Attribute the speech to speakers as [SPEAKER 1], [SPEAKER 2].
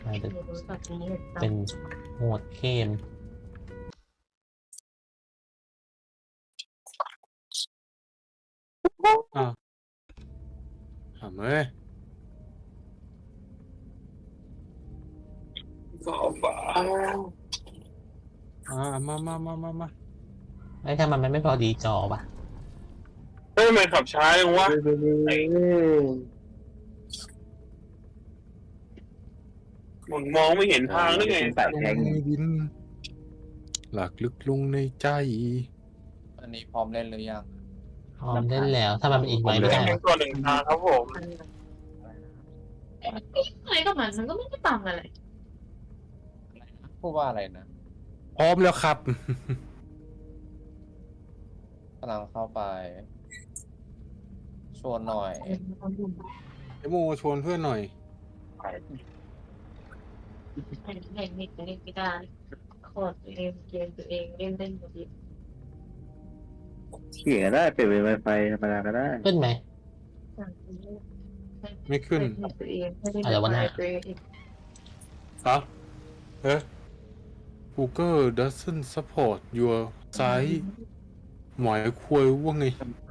[SPEAKER 1] อาจจะ
[SPEAKER 2] ไม่รู้แบบนี้
[SPEAKER 1] เป็นโหมดเกม
[SPEAKER 3] อ้าวถามเอ้ย
[SPEAKER 4] บ้า
[SPEAKER 3] มา
[SPEAKER 1] ไอ้ถ้ามันไม่พอดีจอปะ
[SPEAKER 4] เฮ้ยมันขับช้าจังวะมันมองไม่เห็นทางได้ไง
[SPEAKER 5] ใส่
[SPEAKER 3] ลง
[SPEAKER 5] แทง
[SPEAKER 3] ในดิน หลักลึกลงในใจ
[SPEAKER 6] อันนี้พร้อมเล่นหรือยัง
[SPEAKER 1] พร้อมเล่นแล้ว ถ้ามันเป็นอีกไว้ไม่
[SPEAKER 4] แข่
[SPEAKER 1] ได้
[SPEAKER 4] ง
[SPEAKER 1] เหรอ
[SPEAKER 4] ตัวหนึ่งทางครับผม
[SPEAKER 2] อะไรก็มันก็ไม่ได้ต่างอะไร
[SPEAKER 6] พูดว่าอะไรนะ
[SPEAKER 3] พร้อมแล้วครับ
[SPEAKER 6] กำลังเข้าไป ชวนหน่อย
[SPEAKER 3] ไอโมชวนเพื่อนหน่อย
[SPEAKER 2] เล่นไม่ได้โคตรเล่นเกมตัวเองเล่นหมดเลย
[SPEAKER 5] เขี่ยได้เปลี่ยนเป็นไวไฟธรรมดาก็ได้
[SPEAKER 1] ขึ้นไหม
[SPEAKER 3] ไม่ขึ้น
[SPEAKER 2] ตัวเองไม่ได้
[SPEAKER 1] อะไรวะน่ะ
[SPEAKER 2] ตัวเอง
[SPEAKER 3] ฮะเอ๊ะ Google doesn't support your site หมายควายว่าไง